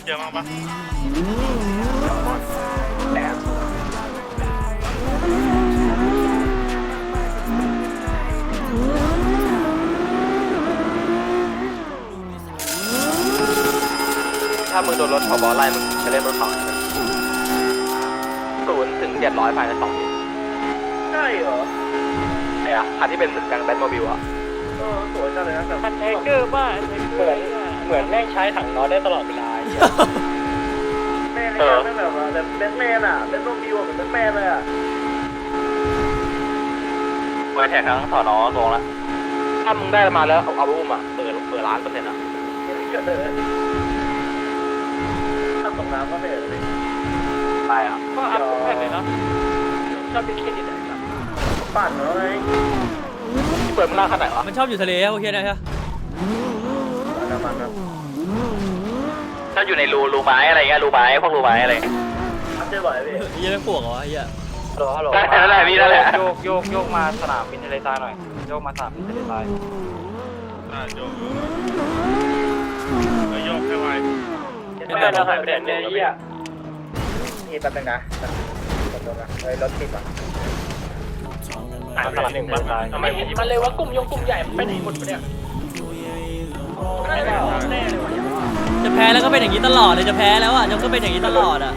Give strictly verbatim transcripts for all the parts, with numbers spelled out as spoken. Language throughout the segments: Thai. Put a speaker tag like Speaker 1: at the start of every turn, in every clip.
Speaker 1: เยอะมากปะ
Speaker 2: ถ้ามึงโดนรถผบไล่มึงจะเล่นรถเขาศูนย์ถึงเจ็ดร้อยภายในสองปีใช่เหรอไอ้อะคันที่เป็นเหมือนกันแบทโมบิลอะเออสวยจังเลยนะแต่คันแทงเกอร์ป่ะเหมือนเหมือนแม่งใช้ถังน็อตได้ตลอดเวลาแม่เลยแม่แบบว่าแบบแบทแมนอะแบทโมบิลเหมือนแบทแมนเลยอะไว้แทงทั้งสอนอตรงละถ้ามึงได้มาแล้วเอาเอาไปอุ้มอะเปิดเปิดร้านเปอร์เซ็นต์อะถ้าตกน้ำก็ไม่เห็นเลยไปอ่ะก็อัพแค่เลยเนาะชอบเป็นเครดิตอะไรครับปั่นเหรอไงที่เปิดมันล่าขนาดไหนวะ
Speaker 3: มันชอบอยู่ทะเลโอเคนะใช่
Speaker 2: ถ้าอยู่ในรูรูไม้อะไรเงี้ยรูไม้พวกรูไม้อะไรทำได้บ่อยพี่
Speaker 3: เฮียแม่งปวกเหรอวะเฮีย
Speaker 2: ฮัลโหลฮัลโหลได้แล้วแหละพี่แล้วแหละโยกโยกโยกมาสนามบินทะเลทรายหน่อยโยกมาสนามบินทะเลทราย
Speaker 1: อ่าโยกโยกให้ไว
Speaker 2: ไม่ได้เราถ่ายประเด็นเนี่ยยี่อ่ะนี่แป๊บนึงนะแป๊บนึงนะเฮ้ยรถติดอ่ะอ่าสลับหนึ่งมาทำไมมันเลยว่ากลุ่มยงกลุ่มใหญ่มันไปไหนหมดเนี่ยแน่เลยวะ
Speaker 3: จะแพ้แล้วก็เป็นอย่างนี้ตลอดเลยจะแพ้แล้วอ่ะจะก็เป็นอย่างนี้ตลอดอ่ะ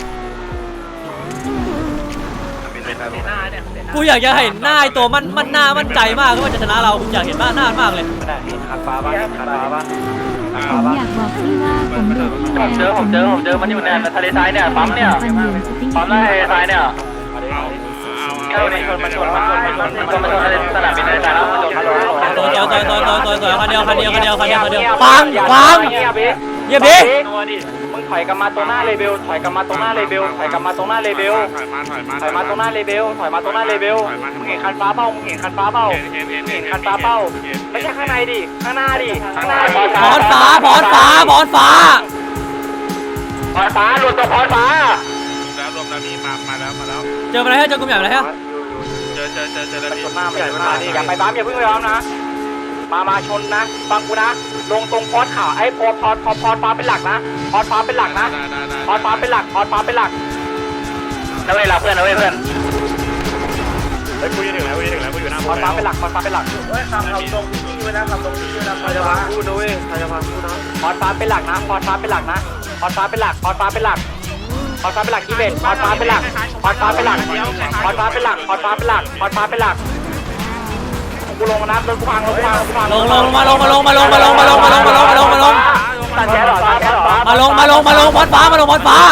Speaker 3: กูอยากจะเห็นหน้าไอตัวมันมันหน้ามั่นใจมากก็ว่าจะชนะเรากูอยากเห็นหน้าหน้ามากเลย
Speaker 2: ไม่ได้ขัดฟ้าบ้างขัดฟ้าบ้าง
Speaker 4: ผมอยากบอกพี่ว่าผมดูพี่
Speaker 2: ผมเจอผมเจอผมเจอมันอยู่ในทะเลทรายเนี่ยปั๊มเนี่ยปั๊มทะเลทรายเนี่ยเอามันชนมันชนมันชนมันชนมันชนมันชนอะไรสนามบินทะเลทรายแล้วมันชนฮัลโหล
Speaker 3: ตัวตัวตัวตัวตัวตัวคันเดียวคันเดียวคันเดียวคันเดียวคันเดียวฟังฟังเยี่ยบี
Speaker 2: มึงถอยกลับมาตรงหน้าเลเบลถอยกลับมาตรงหน้าเลเบลถอยกลับมาตรงหน้าเลเบล
Speaker 1: ถอยมาถอยมา
Speaker 2: ถอยมาตรงหน้าเลเบลถอยมาตรงหน้าเลเบลมึงเห็นคันฟ้าเป้ามึงเห็นคันฟ้าเป้าเห็นคันฟ้าเป้าไม่ใช่ข้างในดิข้างหน้าดิข้างหน้า
Speaker 3: พรฟ้าพรฟ้าพรฟ้า
Speaker 2: พรฟ้าหลุดตัวพรฟ้า
Speaker 1: แล้วรวมแล้วมีมามาแล้วมาแล้ว
Speaker 3: เจอมาแล้วเจอกลุ่มใหญ่มาแล้ว
Speaker 1: เจอเจอเจอเจอแล้ว
Speaker 2: ชนหน้าไม่ใหญ่มากอย่าไปบ้ามอย่าเพิ่งไปบ้ามนะมามาชนนะฟังกูนะลงตรงพอดข่าวไอ้พอพอพอพอฟ้าเป็นหลักนะพอฟ้าเป็นหลักนะพอฟ้าเป็นหลักพอฟ้าเป็นหลักนะเว้ยเราเพื่อนนะเว้ยเพื่อน
Speaker 1: เฮ้ยกูยืนถึงแล้วกูยืนถึงแล้วกูอยู่หน้า
Speaker 2: พอฟ้าเป็นหลักพอฟ้าเป็นหลักเฮ้ยคำคำตรงที่ไว้นะคำตรงที่ไว้นะใครจะมาพูดนะเว้ยใครจะมาพูดนะพอฟ้าเป็นหลักนะพอฟ้าเป็นหลักนะพอฟ้าเป็นหลักพอฟ้าเป็นหลักพอฟ้าเป็นหลักที่เบ็ดพอฟ้าเป็นหลักพอฟ้าเป็นหลักพอฟ้าเป็นหลักพอฟ้าเป็นหลักพอฟ้าเป็นหลักกูลงมานับเลยกูพังลงกูพังกูพัง
Speaker 3: ลงลงมาลงมาลงมาลงมาลงมาลงมาลงมาลงมาลงมาลง
Speaker 2: ตัดแฉหรอตัดแฉหรอ
Speaker 3: มาลงมาลงมาลงพอดฟ้ามาลงพอดฟ้า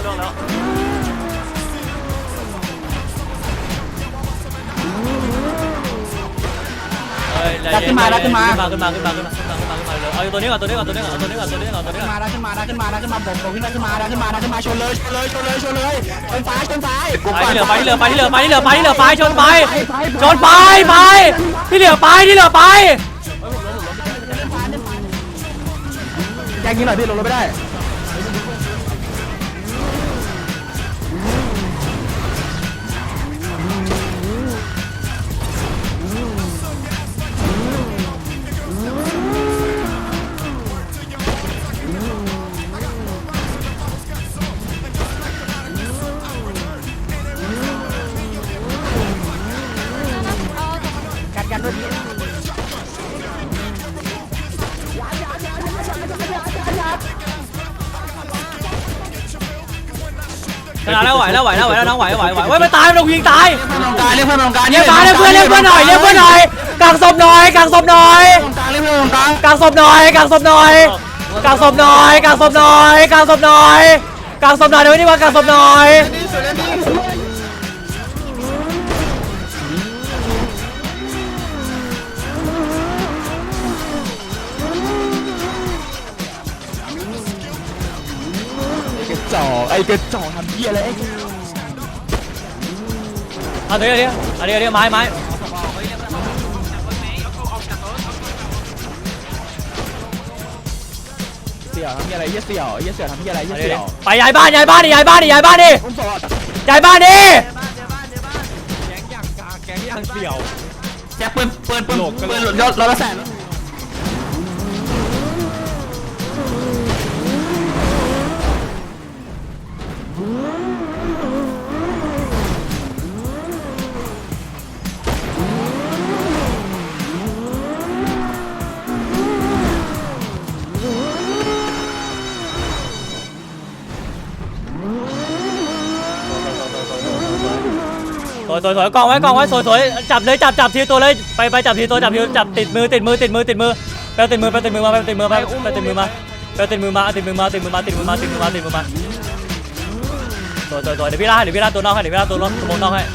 Speaker 5: ขึ้นมาขึ้นมา
Speaker 3: ขึ้นมาขึ้นมาขึ้นมาขึ้นมาขึ้นมาขึ้นมาเลยเอาตัวนี้ก่อนตัวนี้ก่อนตัวนี้ก่อนตัวนี้ก่อนตัวนี้ก่อนตัวนี้ก่อน
Speaker 5: มาขึ้นมาขึ้นมาขึ้นมาผมผมขึ้นมาขึ้นมาขึ้นมาขึ้นมาชนเลยชนเลยชนเลยชนเลยชนซ้ายชนซ้าย
Speaker 3: ไปที่เหลือไปที่เหลือไปที่เหลือไปที่เหลือไปที่เหลือไปชนไปชนไปไปที่เหลือไปที่เหลือไป
Speaker 5: แย่งยิงหน่อยพี่ลงรถไม่ได้กันด้วย
Speaker 3: ชนะแล้วไหวแล้วไหวแล้วไหวแล้วน้องไหวไหวไหวไหวไม่ตายไม่ต้องยิงตาย
Speaker 5: เรียกเพื่อนตรงกลางเรียกเพื่อนตรงกลาง
Speaker 3: เรียกตายเรียกเพื่อนเรียกเพื่อนหน่อยเรียกเพื่อนหน่อยกางศพหน่อยกางศพหน่อย
Speaker 5: ตรงกลางเรียกเพื่อนตรงกลาง
Speaker 3: กางศพหน่อยกางศพหน่อยกางศพหน่อยกางศพหน่อยกางศพหน่อยกางศพหน่อยเดี๋ยวนี้ว่ากางศพหน่อย
Speaker 5: จ่อไอ้กระจ่อทำเหี้ยอะไร
Speaker 3: เอาเดี๋ยวเดี๋ยวเอาเดี๋ยวเดี๋ยวไม้ไม้
Speaker 5: เสี่ยวทำเหี้ยอะไรเหี้ยเสี่ยวเหี้ยเสี่ยวทำเหี้ยอะไรเหี้ยเสี่ยว
Speaker 3: ไปย้ายบ้านย้ายบ้านดิย้ายบ้านดิย้ายบ้านดิย้ายบ้านดิ
Speaker 5: แก๊งอย่างกาแก๊งอย่างเสี่ยวแจ็คปืนปืนปืนปืนรถรถละแสน
Speaker 3: สวยสวยสวยกองไว้กองไว้สวยสวยจับเลยจับจับทีตัวเลยไปไปจับทีตัวจับทีจับติดมือติดมือติดมือติดมือไปติดมือไปติดมือมาไปติดมือมาไปติดมือมาไปติดมือมาติดมือมาติดมือมาติดมือมาติดมือมาติดมือมาสวยสวยสวยเดี๋ยวพี่ล่าเดี๋ยวพี่ล่าตัวนอกให้เดี๋ยวพี่ล่าตัวนอกตัวนอกให้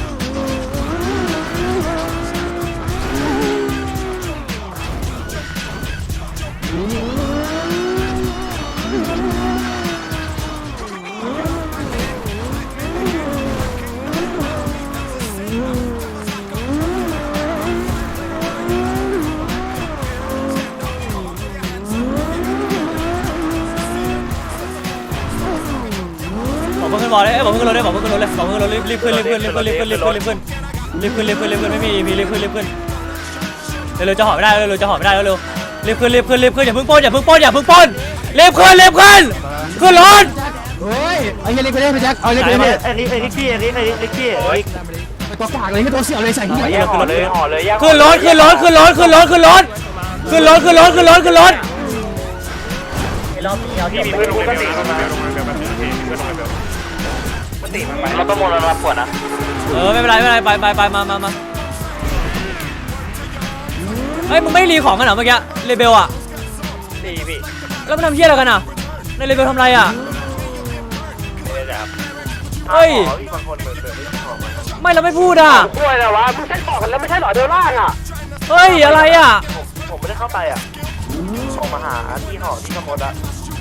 Speaker 3: บอกเพื่อนบอกเลยบอกเพื่อนรถเลยบอกเพื่อนรถเลยบอกเพื่อนรถรีบรีบขึ้นรีบขึ้นรีบขึ้นรีบขึ้นรีบขึ้นรีบขึ้นรีบขึ้นรีบขึ้นรีบขึ้นไม่มีมีรีบขึ้นรีบขึ้นเร็วๆจะหอบไม่ได้เร็วๆจะหอบไม่ได้เร็วๆรีบขึ้นรีบขึ้นรีบขึ้นอย่าเพิ่งป้นอย่าเพิ่งป้นอย่าเพิ่งป้นรีบขึ้นรีบขึ้นขึ้นรถ
Speaker 5: เฮ้ยไอ้เล็กไปเล่นไปแจ็คเอาเล็กไปเล่น
Speaker 2: ไอ้นี่ไอ้นี่พี่ไอ้นี่ไอ้นี่พี่
Speaker 5: ไปตัวฝากเลยให้ตัวเสี่ยวเลยใส่หัว
Speaker 2: แยกห่อเลยห่อเลยแยก
Speaker 3: ขึ้นรถขึ้นรถขึ้นรถขึ้นรถขึ้นรถขึ้นรถขึ้นรถขึ้นรถขึ้นรถ
Speaker 2: รอบนี้เอา
Speaker 1: พี่
Speaker 2: ที่
Speaker 1: มี
Speaker 2: มี
Speaker 1: เพื่
Speaker 2: เพื่
Speaker 1: อ
Speaker 2: อน น
Speaker 1: ล
Speaker 2: รู้
Speaker 1: ง
Speaker 2: ก็
Speaker 1: ไป
Speaker 2: ติ
Speaker 1: เบลลงมาเบลลงมาเบลมีเพื่อนลงมาเบลมันติมันไป
Speaker 2: เราต้องมองเรารับขวดนะ
Speaker 3: เออไม่เป็นไรไม่เป็นไรไปไปไปมามามาเฮ้ยมึงไม่รีของกันเหรอเมื่อกี้เรเบลอะ
Speaker 1: ดีพี่
Speaker 3: แล้วมันทำเหี้ยอะไรกันอ่ะในเรเบลทำอะไรอ่ะ
Speaker 1: นี่แหละครับ
Speaker 3: เฮ้ย
Speaker 1: พี่บางคนเหมือนเดิมที่ของมัน
Speaker 3: ไม่เราไม่พูดอ่ะ
Speaker 2: กล้วยแต่ว่ามึงใช้บอกกันแล้วไม่ใช่หรอเดินล่างอ่ะ
Speaker 3: เฮ้ยอะไรอ่ะ
Speaker 1: ผมผมไม่ได้เข้าไปอ่ะส่งมาหาที่หอที่ขโมยละ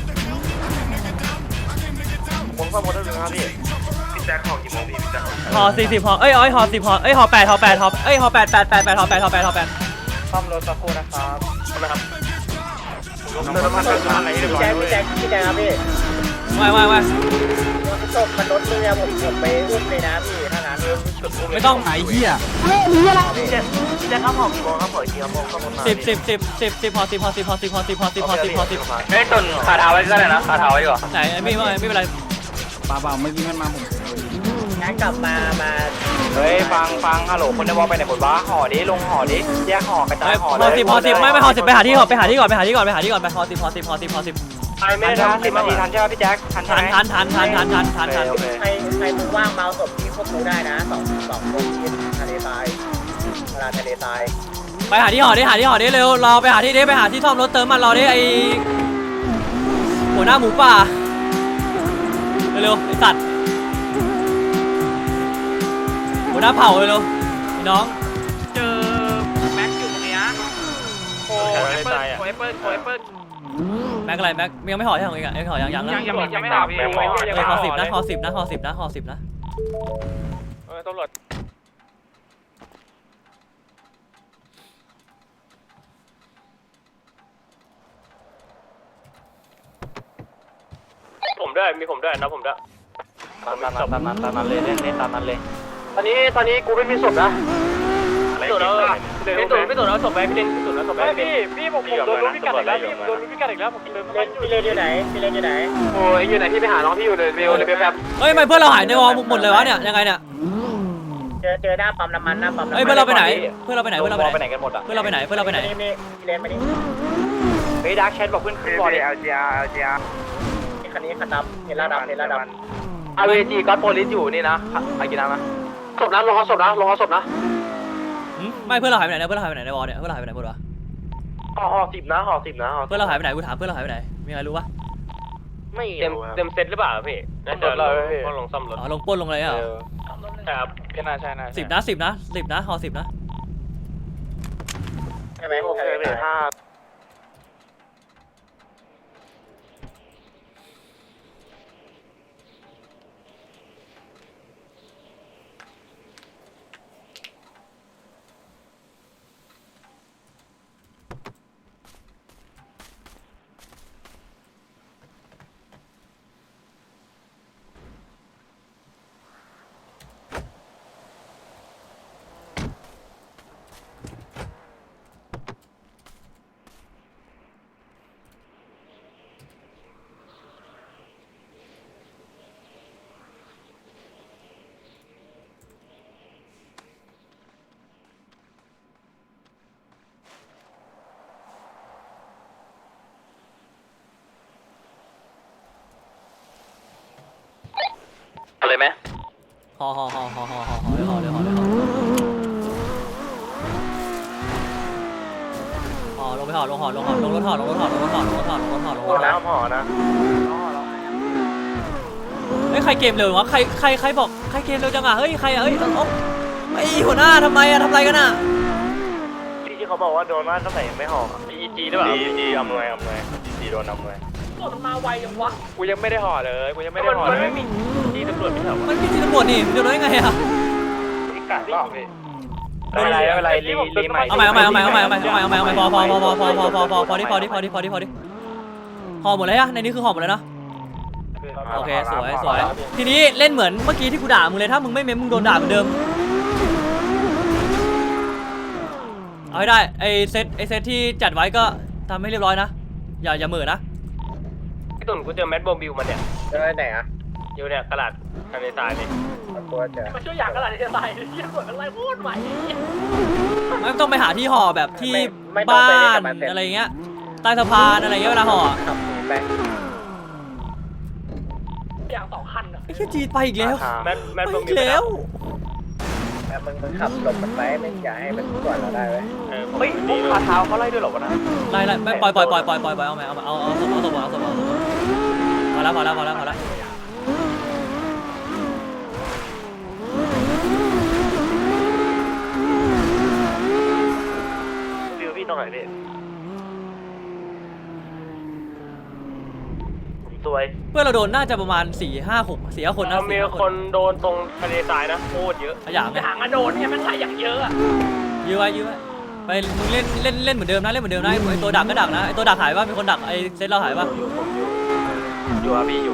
Speaker 1: ผมขโมยได้เลยครับพี่พี่แจ็คของกี่โมงพี่พี่แจ็ค
Speaker 3: หอสี่สิบหอเอ้ยเอ้ยหอสิบหอเอ้ยหอแปดหอแปดหอเอ้ยหอแปดแปดแปดแปดหอแปดหอแปดหอแปด
Speaker 2: ซ่อมรถสักครู่นะครับ
Speaker 1: ทำไมครับผมน้ำมันน้ำมันอะไรเรียบร้อย
Speaker 2: แจ็ค
Speaker 1: เล
Speaker 2: พี่
Speaker 1: ย
Speaker 2: แจ็คพี่แจ็คครับพี่
Speaker 3: ไม่ไม่ไม่
Speaker 2: ศพมันรถเรือผมผมไปอุ้มเลยนะพี่ถ้างั้น
Speaker 3: ไม่ต้อง
Speaker 5: ไอ้เหี้ย
Speaker 2: พี่แจ็คพี่แจ็คครับผมกี่โมงครับผมกี่โมงครับผม
Speaker 3: สิบสิบสิบสิบสิบหอสิบหอสิบหอสิบหอสิบหอสิบหอสิบหอสิบ
Speaker 2: เฮ้ยตุนขาเท้าไว้ก็ได้นะขาเท้าไว้ก่อน
Speaker 3: ไหนไม่ไม่ไม่เป็นไร
Speaker 5: ป่าเปล่าไม่มีมันมาผม
Speaker 2: งั้นกลับมามาเฮ้ยฟังฟังฮัลโหลคนในวอลไปไหนหมดวะห่อดิลงห่อดิแยกห่อกระจายห่อ
Speaker 3: หอสิบหอสิบไม่ไม่หอสิบไปหาที่ก่อนไปหาที่ก่อนไปหาที่ก่อนไปหาที่ก่อนไปหอสิบหอสิบหอสิบหอสิบ
Speaker 2: ไปไม่ได้สิบนาทีทันใช่ไหมพี่แจ็คทัน
Speaker 3: ทันทันทันทันทันทันทันทัน
Speaker 2: ใครใครมึงว่างเมาศพที่พวกกูได้นะสองสองคนที่ทะเลทรายเวลาทะเลทราย
Speaker 3: ไปหาที่หอดิหาที่หอดิเร็วรอไปหาที่ดิไปหาที่ซ่อมรถเติมมันรอดิไอหัวหน้าหมูป่าเร็วๆไอสัตว์หัวหน้าเผ่าเร็วๆพี่น้อง
Speaker 2: เจอแม็กอยู่ตรงนี้นะโอ้แอปเปิ้ลโอ้แอปเปิ้ลโอ้แอปเปิ้ล
Speaker 3: แม็กอะไรแม็กยังไม่หอที่ของอีกอ่ะยังหอยังยังนะ
Speaker 2: ยังยังไม่หาพี่
Speaker 3: เออหอสิบนะหอสิบนะหอสิบนะหอสิบนะ
Speaker 1: เออตำรวจผมด้วยมีผมด้วยนะผมด้วย
Speaker 2: ตามนั้นตามนั้นตามนั้นเลยเล่นเล่นตามนั้นเลยตอนนี้ตอนนี้กูไม่มีศพนะ
Speaker 1: อะไร
Speaker 2: พี่
Speaker 1: เอ
Speaker 2: ตุ๋น
Speaker 1: อ
Speaker 2: พี่ตุ๋นพี่ตุ๋นเอาศพไปพี่เล่นพี่ตุ๋นเอาศพไปพี่พี่ผมผมโดนรู้พิกัดอีกแล้วพี่โดนรู้พิกัดอีกแล้วผมเดินไม่พี่เล่นอยู่ไหนพี่เล่นอยู่ไหนโอ้ยอยู่ไหนพี่ไปหาน้องพี่อยู่เลยเบลเลยแป๊บ
Speaker 3: เฮ้ยทำไมเพื่อนเราหายในวอลหมดเลยวะเนี่ยยังไงเนี่ย
Speaker 2: เจอเจอหน้าปั๊มน้ำมันหน้าปั๊มน้ำมัน
Speaker 3: เฮ้ยเพื่อนเราไปไหนเพื่อนเราไปไหนเพื่อนเราไปไหน
Speaker 2: ไปไหนกันหมดอ่ะ
Speaker 3: เพื่อนเราไปไหนเพื่อนเราไปไหน
Speaker 2: นี่นี่พี่เล่นมาดิเฮ้ยดาร์คแชทบอกเพื่อนขึ้นบอลเลย
Speaker 1: เอลจีอาร์เอลจีอาร์
Speaker 2: นี่คันนี้คันดำเห็นแล้วดำเห็นแล้วดำอาร์เวจีก็โพลิสอยู่นี่นะอากินังนะศพนะลงเอาศพนะลงเอาศพนะ
Speaker 3: ไม่เพื่อนเราหายไปไหนเนี่ยเพื่อนเราหายไปไหนในวอลเนี่ยเพื่อนเราหายไปไหนหมดวะ
Speaker 2: ห่อห่อสิบนะห่อสิบนะห่อ
Speaker 3: เพื่อนเราหายไปไหนกูถามเพื่อนเราหายไปไหนมีใครรู้ปะ
Speaker 2: ไม่
Speaker 1: เต็มเต็มเซตหรือเปล่าพี่น่าจะลงลงซ่อมรถ
Speaker 3: อ๋อลงป้นลงอะไรอ่ะ
Speaker 1: ครับพี่น่าใช่น่า
Speaker 3: สิบนะสิบนะสิบนะหอสิบนะ
Speaker 2: ใช่ไหมโอเคเลยห้าอะไรไหม
Speaker 3: หห่อห่อห่อห่อห่อห่อเลยห่อเลยห่อเลยห่อห่อลงไปห่อลงห่อลงห่อลงรถห่อลงรถห่อลงรถห่อลงรถห่อลงรถห่อลงรถห่อ
Speaker 1: น้ำห่อนะ
Speaker 3: เฮ้ยใครเกมเร็ววะใครใครใครบอกใครเกมเร็วจังอ่ะเฮ้ยใครอ่ะเฮ้ยโอ๊ะไอ้หัวหน้าทำไมอ่ะทำอะไรกันอ่ะ
Speaker 1: ที่ที่เขาบอกว่าโดนว่าตั้งแต่ยังไม่ห่ออีจีด้วยอีจีอำนวยอำนวยอีจีโดนอำนวย
Speaker 2: มันมาไวยังวะ
Speaker 1: กูยังไม่ได้ห่อเลยกูยังไม่ได้ห่อเลยไม่มีจีตำรวจไม่เหรอ
Speaker 3: มันมีทีตำรวจนี่มันจะรู้ได้ไงอ่ะ
Speaker 1: อีกกัดรอบเลยไม่เป็นไรไม่เป็นไรรีรีใหม่
Speaker 3: เอาใหม่เอาใหม่เอาใหม่เอาใหม่เอาใหม่เอาใหม่เอาใหม่พอพอพอพอพอพอพอพอพอดิพอดิพอดิพอดิพอดิห่อหมดเลยอะในนี้คือห่อหมดเลยนะโอเคสวยสวยทีนี้เล่นเหมือนเมื่อกี้ที่กูด่ามึงเลยถ้ามึงไม่เม้มมึงโดนด่าเหมือนเดิมเอาให้ได้ไอเซตไอเซตที่จัดไว้ก็ทำให้เรียบร้อยนะอย่าอย่าเหม่อนะ
Speaker 1: พี่ตุ่นกูเจอแมทโบบิลมาเนี่ย
Speaker 2: เจอไหนอ่ะ
Speaker 1: อยู่เนี่ยกระดาษทะเลทรายนี่
Speaker 2: ตัวเจอมาช่วยอย่างกระดาษที่จะตายที่ตำรวจอะไรพูดใหม่
Speaker 3: ไม่ต้องไปหาที่ห่อแบบที่บ้านอะไรเงี้ยใต้สะพานอะไรเงี้ยเวลาห่อ
Speaker 2: ขับหนีไปอย่างสองคันอ่ะ
Speaker 3: ไอ้แค่จีไปอีกแล้ว
Speaker 1: แมทแมท
Speaker 3: ไป
Speaker 1: โบ
Speaker 3: อี
Speaker 1: บิ
Speaker 3: ก
Speaker 1: ล
Speaker 3: แล้ว
Speaker 2: แต่มึงมึงขับหลบมันไปไม่อย่าให้มันก่อนเราได้เว้ย
Speaker 1: เฮ้
Speaker 2: เฮ้
Speaker 1: ย
Speaker 2: ย
Speaker 1: พวก
Speaker 2: ขาเท้าเขาไล่ด้วยหรอวะนะ
Speaker 3: ไล่ไล่ไม่ปล่อยปล่อยปล่อยปล่อยปล่อยปล่อยเอาไหมเอาเอาเอาสมเอาสมเอาสมเอาพอแล้วพอแล้วพอแล้วพอแล้ว
Speaker 1: บิลพี่ตรงไหนพี่สวย
Speaker 3: เพื่อนเราโดนน่าจะประมาณสี่ห้าหกสี่ห้าคนนะ
Speaker 1: มีคนโดนตรงทะเลทรายนะโคตรเยอะ
Speaker 3: ขยะไง
Speaker 2: อย่างมาโดนเนี่ยมันไหลอย่างเยอะอ่ะ
Speaker 3: ยื้อไว้ยื้อไว้ไปมึงเล่นเล่นเล่นเหมือนเดิมนะเล่นเหมือนเดิมนะไอ้ตัวดักก็ดักนะไอ้ตัวดักหายป่ะมีคนดักไอ้เซตเราหายป่ะ
Speaker 1: อยู่ผมอยู่อยู่อาบีอยู่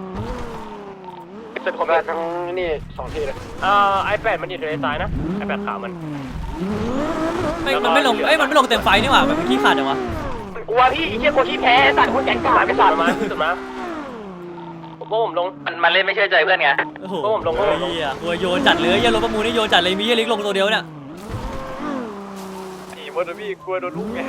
Speaker 1: เป็นผมทั้งนี่สองที่เลยอ่าไอแปดมันอยู่ทะเลทรายนะไอแปดขาวมัน
Speaker 3: ไม่มันไม่ลงเอ้ยมันไม่ลงเต็มไฟนี่หว่ามันเป็นขี้ขาดจังวะ
Speaker 2: กลัวพี่เชี่ยกลัวขี้แพ้สัตว์คนแก่งกา
Speaker 1: ไป
Speaker 2: ไป
Speaker 1: สั
Speaker 2: สั
Speaker 1: ต
Speaker 2: ต
Speaker 1: ว์
Speaker 2: ว์
Speaker 1: มา
Speaker 2: มา
Speaker 1: สุดมาผมว่าผมลง
Speaker 2: มันมันเล่นไม่เชื่อใจเพื่อนไง
Speaker 3: โอ้โห
Speaker 1: ผมลงผมลง
Speaker 3: เฮียกลัวโยนจัดเลยเฮียรถประมูลนี่โยนจัดเลยมีเฮียลิกลงตัวเดียวเนี่ย
Speaker 1: ผีมดนะพี่กลัวโดนลูกไง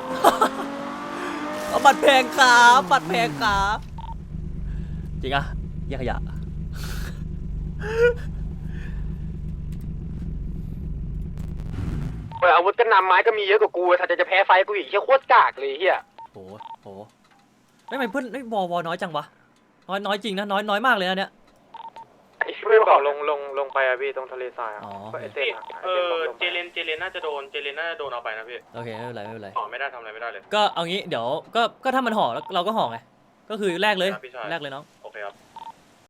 Speaker 3: เอาบัตรแพงครับบัตรแพงครับจริงอะเหี้ยขยะ
Speaker 2: อาวุธก็นำไม้ก็มีเยอะกว่ากูถ้าจะจะแพ้ไฟกูอีกเชี่ยโคตรกากเลยเฮีย
Speaker 3: โหโหไม่ไม่เพื่อนไม่วอวอน้อยจังวะน้อยน้อยจริงนะน้อยน้อยมากเลยนะเนี่ย
Speaker 1: เพื่อนเขาลงลงลงไปอะพี่ตรงทะเลทรายอะ
Speaker 3: อ๋อ
Speaker 1: เออเจเลนเจเลนน่าจะโดนเจเลนน่าจะโดนเอาไปนะพี่
Speaker 3: โอเคไม่เป็นไรไม่เป็นไร
Speaker 1: ห่อไม่ได้ทำอะไรไม่ได้เลย
Speaker 3: ก็เอางี้เดี๋ยวก็ก็ถ้ามันห่อแล้วเราก็ห่อไงก็คือแลกเลย
Speaker 1: ครับพี่ชาย
Speaker 3: แลกเลยน้อง
Speaker 1: โอเคครับ